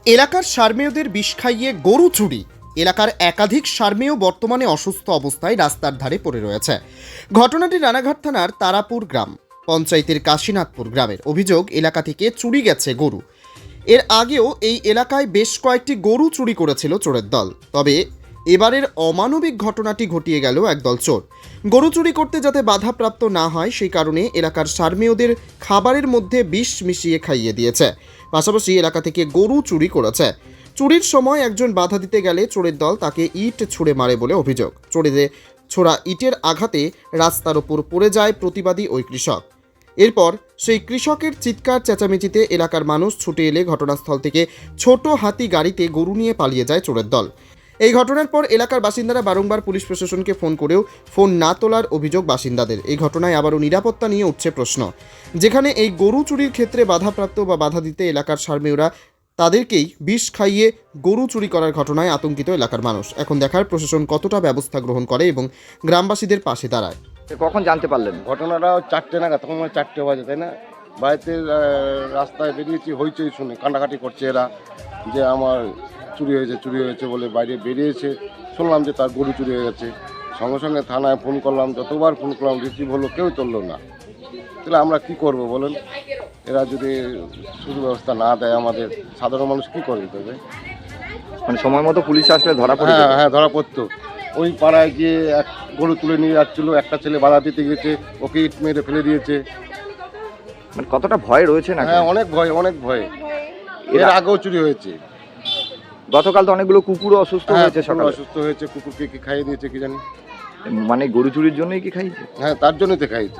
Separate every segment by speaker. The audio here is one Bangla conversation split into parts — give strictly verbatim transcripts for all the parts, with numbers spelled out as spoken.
Speaker 1: এলাকার সারমেয়দের বিষ খাইয়ে গরু চুরি। এলাকার একাধিক সারমেয় বর্তমানে অসুস্থ অবস্থায় রাস্তার ধারে পড়ে রয়েছে। ঘটনাটি রানাঘাট থানার তারাপুর গ্রাম পঞ্চায়েতের কাশীনাথপুর গ্রামের। অভিযোগ, এলাকা থেকে চুরি গেছে গরু। এর আগেও এই এলাকায় বেশ কয়েকটি গরু চুরি করেছিল চোরের দল। তবে এবারের অমানবিক ঘটনাটি ঘটিয়ে গেল একদল চোর। গরু চুরি করতে যাতে বাধাপ্রাপ্ত না হয় সেই কারণে এলাকার সারমেয়দের খাবারের মধ্যে বিষ মিশিয়ে খাইয়ে দিয়েছে। পাশাপাশি এলাকা থেকে গরু চুরি করেছে। চুরির সময় একজন বাধা দিতে গেলে চোরের দল তাকে ইট ছুঁড়ে মারে বলে অভিযোগ। চোরেদের ছোড়া ইটের আঘাতে রাস্তার ওপর পড়ে যায় প্রতিবাদী ওই কৃষক। এরপর সেই কৃষকের চিৎকার চেঁচামেচিতে এলাকার মানুষ ছুটে এলে ঘটনাস্থল থেকে ছোট হাতি গাড়িতে গরু নিয়ে পালিয়ে যায় চোরের দল। এই ঘটনার পর এলাকার বাসিন্দারা বারংবার পুলিশ প্রশাসনকে ফোন করেও ফোন না তোলার অভিযোগ বাসিন্দাদের। এই ঘটনায় আবারও নিরাপত্তা নিয়ে উঠছে প্রশ্ন। যেখানে এই গরু চুরির ক্ষেত্রে বাধাপ্রাপ্ত বা বাধা দিতে এলাকার সারমেয়রা তাদেরকেই বিষ খাইয়ে গরু চুরি করার ঘটনায় আতঙ্কিত এলাকার মানুষ। এখন দেখার প্রশাসন কতটা ব্যবস্থা গ্রহণ করে এবং গ্রামবাসীদের পাশে দাঁড়ায়।
Speaker 2: কখন জানতে পারলেন?
Speaker 3: ঘটনাটা চারটে নাগাদ, তখন মানে চারটে বাজে, তাই না? বাড়িতে আহ, রাস্তায় বেরিয়েছি, হইচই শুনে কান্নাকাটি করছে এরা যে আমার চুরি হয়েছে চুরি হয়েছে বলে বাইরে বেরিয়েছে। শুনলাম যে তার গরু চুরি হয়ে গেছে। সঙ্গে সঙ্গে থানায় ফোন করলাম, যতবার ফোন করলাম রিসিভ হলো, কেউ তুললো না। তাহলে আমরা কি করব বলেন? এরা যদি সুব্যবস্থা না দেয় আমাদের, সাধারণ মানুষ কি করবে তবে?
Speaker 2: মানে সময় মতো পুলিশ আসলে ধরা পড়ে
Speaker 3: হ্যাঁ
Speaker 2: যেত?
Speaker 3: হ্যাঁ ধরা পড়তো। ওই পাড়ায় গিয়ে এক গরু তুলে নিয়ে যাচ্ছিল, একটা ছেলে বাধা দিতে গেছে, ওকে ইট মেরে ফেলে দিয়েছে।
Speaker 2: মানে কতটা ভয় রয়েছে না?
Speaker 3: হ্যাঁ অনেক ভয়, অনেক ভয়। এর
Speaker 2: এরা-
Speaker 3: আগেও চুরি হয়েছে।
Speaker 2: গতকাল তো অনেকগুলো কুকুরও অসুস্থ
Speaker 3: হ্যাঁ,
Speaker 2: হয়েছে
Speaker 3: কুকুর
Speaker 2: সকালে।
Speaker 3: অসুস্থ হয়েছে, কুকুরকে কি খাইয়ে দিয়েছে কি জানি।
Speaker 2: মানে গরু চুরির জন্যই কি খাইছে?
Speaker 3: হ্যাঁ তার জন্যই তো খাইয়েছে।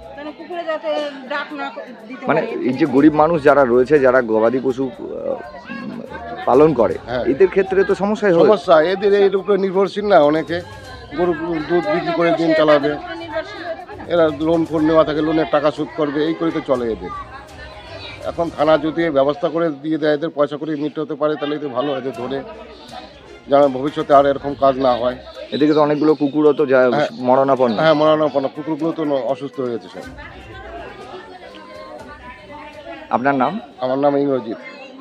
Speaker 2: মানে এই যে গরিব মানুষ যারা রয়েছে, যারা গবাদি পশু আহ, পালন করে,
Speaker 3: হ্যাঁ।
Speaker 2: এদের ক্ষেত্রে তো সমস্যাই হয়।
Speaker 3: সমস্যা এদের এর উপরে নির্ভরশীল না, অনেকে গরু দুধ বিক্রি করে দিন চালাবে। এরা লোন ফোন নেওয়া থাকে, লোনের টাকা শোধ করবে, এই করে তো চলে এদের। এখন থানা যদি ব্যবস্থা করে দিয়ে দেয়, এদের পয়সা করে মিট হতে পারে, তাহলে তো ভালো, এদের ধরে যেন ভবিষ্যতে আর এরকম কাজ না হয়।
Speaker 2: এদিকে তো অনেকগুলো কুকুরও তো যা-
Speaker 3: হ্যাঁ।
Speaker 2: মরণাপন্ন।
Speaker 3: হ্যাঁ মরানোপন্ন কুকুরগুলো তো ন- অসুস্থ হয়ে গেছে সব।
Speaker 2: আপনার নাম?
Speaker 3: আমার নাম ইংরজিৎ।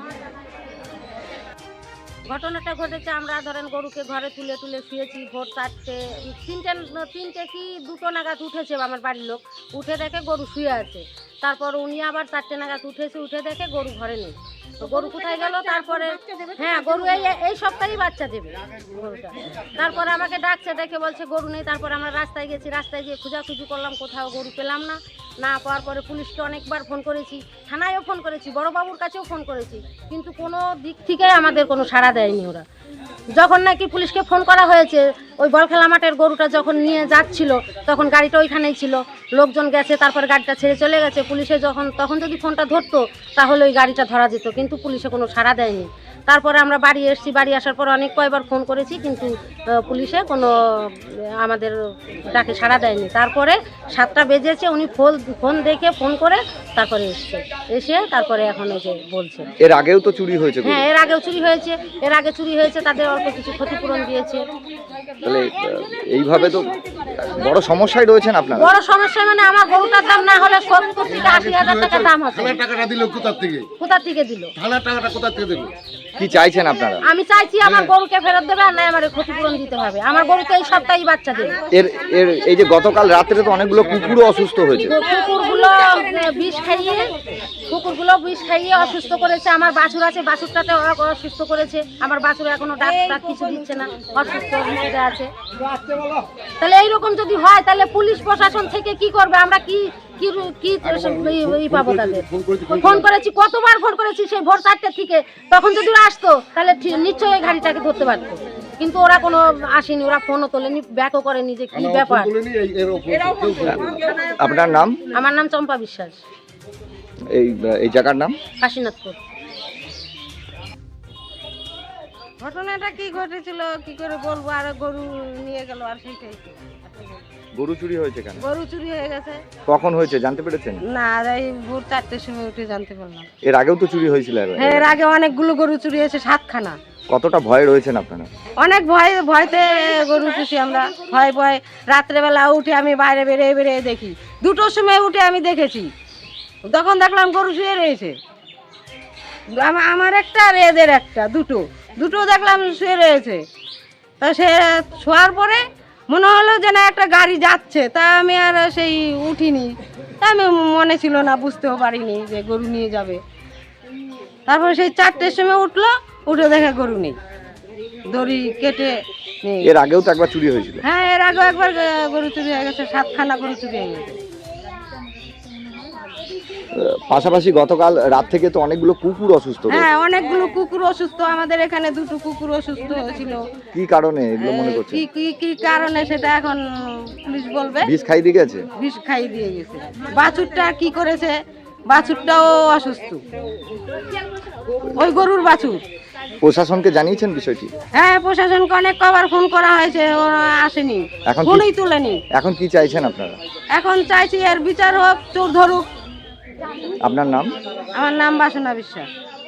Speaker 4: ঘটনাটা ঘটেছে, আমরা ধরেন গরুকে ঘরে তুলে তুলে শুয়েছি। ভোর চারটে তিনটে তিনটে কি দুটো নাগাদ উঠেছে আমার বাড়ির লোক, উঠে দেখে গরু শুয়ে আছে। তারপর উনি আবার চারটে নাগাদ উঠেছে, উঠে দেখে গরু ঘরে নেই। তো গরু কোথায় গেল? তারপরে হ্যাঁ গরু এই এই সপ্তাহেই বাচ্চা দেবে গরুটা। তারপরে আমাকে ডাকছে, ডেকে বলছে গরু নেই। তারপরে আমরা রাস্তায় গেছি, রাস্তায় গিয়ে খোঁজাখুঁজি করলাম, কোথাও গরু পেলাম না। না পাওয়ার পরে পুলিশকে অনেকবার ফোন করেছি, থানায়ও ফোন করেছি, বড়বাবুর কাছেও ফোন করেছি, কিন্তু কোনো দিক থেকে আমাদের কোনো সাড়া দেয়নি ওরা। যখন নাকি পুলিশকে ফোন করা হয়েছে, ওই বলখেলা মাঠের গরুটা যখন নিয়ে যাচ্ছিল, তখন গাড়িটা ওইখানেই ছিল, লোকজন গেছে, তারপরে গাড়িটা ছেড়ে চলে গেছে। পুলিশে যখন তখন যদি ফোনটা ধরতো তাহলে ওই গাড়িটা ধরা যেত, কিন্তু পুলিশে কোনো সাড়া দেয়নি। তারপরে আমরা বাড়ি এসেছি, বাড়ি আসার পর অনেক কয়বার ফোন করেছি, কিন্তু আহ, পুলিশে কোনো আহ, আমাদের ডাকে সাড়া দেয়নি। তারপরে সাতটা বেজেছে, উনি ফোন ফোন দেখে ফোন করে তারপরে এসছে, এসে তারপরে এখন এই যে বলছে।
Speaker 2: এর আগেও তো চুরি হয়েছে গরু।
Speaker 4: হ্যাঁ এর আগেও চুরি হয়েছে, এর আগে চুরি হয়েছে, তাদের অল্প কিছু ক্ষতিপূরণ দিয়েছে।
Speaker 2: তাহলে আহ, এইভাবে তো বড় সমস্যায় রয়েছেন আপনারা।
Speaker 4: বড় সমস্যা মানে আমার গরুটার দাম না হলে সত্তর থেকে আশি হাজার টাকা দাম আছে।
Speaker 3: থানার টাকাটা দিল কোথার থেকে?
Speaker 4: কোথা থেকে দিল?
Speaker 3: থানার টাকাটা কোথার থেকে দিল?
Speaker 2: কি চাইছেন আপনারা?
Speaker 4: আমি চাইছি আমার গরুকে ফেরত দেবে, আর নাই আমার ক্ষতিপূরণ দিতে হবে। আমার গরু তো এই সপ্তাহেই বাচ্চা দেবে।
Speaker 2: এর এর এই যে গতকাল রাত্রে তো অনেকগুলো কুকুরও অসুস্থ হয়েছে।
Speaker 4: কুকুরগুলো বিষ খাইয়ে কুকুরগুলো বিষ খাইয়ে অসুস্থ করেছে। আমার বাছুর আছে, বাছুরটাতে অসুস্থ করেছে। আমার বাছুর এখনো ডাক্তার কিছু দিচ্ছে না, অসুস্থ অবস্থাতে আছে। তাহলে এইরকম যদি হয়, তাহলে পুলিশ প্রশাসন থেকে কি করবে? আমরা কি কি কি ই পাবো তাদের? ফোন করেছি, কতবার ফোন করেছি সেই ভোর চারটে থেকে। তখন যদি ওরা আসতো তাহলে নিশ্চয়ই এই গাড়িটাকে ধরতে পারতো, কিন্তু ওরা কোনো আসেনি, ওরা ফোনও তোলেনি, ব্যাকও করেনি যে কি ব্যাপার।
Speaker 2: আপনার নাম?
Speaker 4: আমার নাম চম্পা বিশ্বাস,
Speaker 2: এই এই জায়গার নাম?
Speaker 4: কাশীনাথপুর।
Speaker 5: ঘটনাটা কি ঘটেছিল কি করে বলবো, আর গরু নিয়ে গেল, আর সেইটাই তো।
Speaker 2: গরু চুরি হয়েছে কেন?
Speaker 5: গরু চুরি হয়ে গেছে।
Speaker 2: কখন হয়েছে জানতে পেরেছেন?
Speaker 5: না, এই ভোর চারটের সময় উঠে জানতে পারলাম।
Speaker 2: এর আগেও তো চুরি হয়েছিল। এর-
Speaker 5: হ্যাঁ এর আগে অনেকগুলো গরু চুরি হয়েছে, সাতখানা।
Speaker 2: কতটা ভয় রয়েছেন আপনারা?
Speaker 5: অনেক ভয়, ভয়তে গরু পুষি আমরা। ভয় ভয় রাত্রেবেলা উঠে আমি বাইরে বেরিয়ে বেরিয়ে দেখি, দুটোর সময় উঠে আমি দেখেছি, তখন দেখলাম গরু শুয়ে রয়েছে। আমা- আমার একটা আর এদের একটা, দুটো দুটো দেখলাম শুয়ে রয়েছে। তা সে শোয়ার পরে মনে হলো যে না একটা গাড়ি যাচ্ছে, তা আমি আর সেই উঠিনি, তা আমি মনে ছিল না, বুঝতেও পারিনি যে গরু নিয়ে যাবে। তারপরে সেই চারটের সময় উঠলো, উঠে দেখে গরু নেই, দড়ি কেটে নেই।
Speaker 2: এর আগেও তো একবার চুরি হয়েছিল।
Speaker 5: হ্যাঁ, এর আগেও একবার আহ, গরু চুরি হয়ে গেছে, সাতখানা গরু চুরি হয়ে গেছে।
Speaker 2: আহ, পাশাপাশি গতকাল রাত থেকে তো অনেকগুলো কুকুর অসুস্থ রয়েছে।
Speaker 5: হ্যাঁ, অনেকগুলো কুকুর অসুস্থ, আমাদের এখানে দুটো কুকুর অসুস্থ হয়েছিল।
Speaker 2: কি কারণে এগুলো মনে করছেন?
Speaker 5: কি কি কি কারণে সেটা এখন পুলিশ বলবে।
Speaker 2: বিষ খাই দিয়ে গেছে।
Speaker 5: বিষ খাই দিয়ে গেছে। বাছুরটা কি করেছে, বাছুরটাও অসুস্থ, ওই গরুর বাছুর।
Speaker 2: প্রশাসনকে জানিয়েছেন বিষয়টি?
Speaker 5: হ্যাঁ, প্রশাসনকে অনেক কবার ফোন করা হয়েছে, ওরা আসেনি,
Speaker 2: এখন কি-
Speaker 5: ফোনই তুলেনি।
Speaker 2: এখন কি চাইছেন আপনারা?
Speaker 5: এখন চাইছি এর বিচার হোক, চোর ধরুক।
Speaker 2: আপনার নাম?
Speaker 5: আমার নাম বাসনা বিশ্বাস।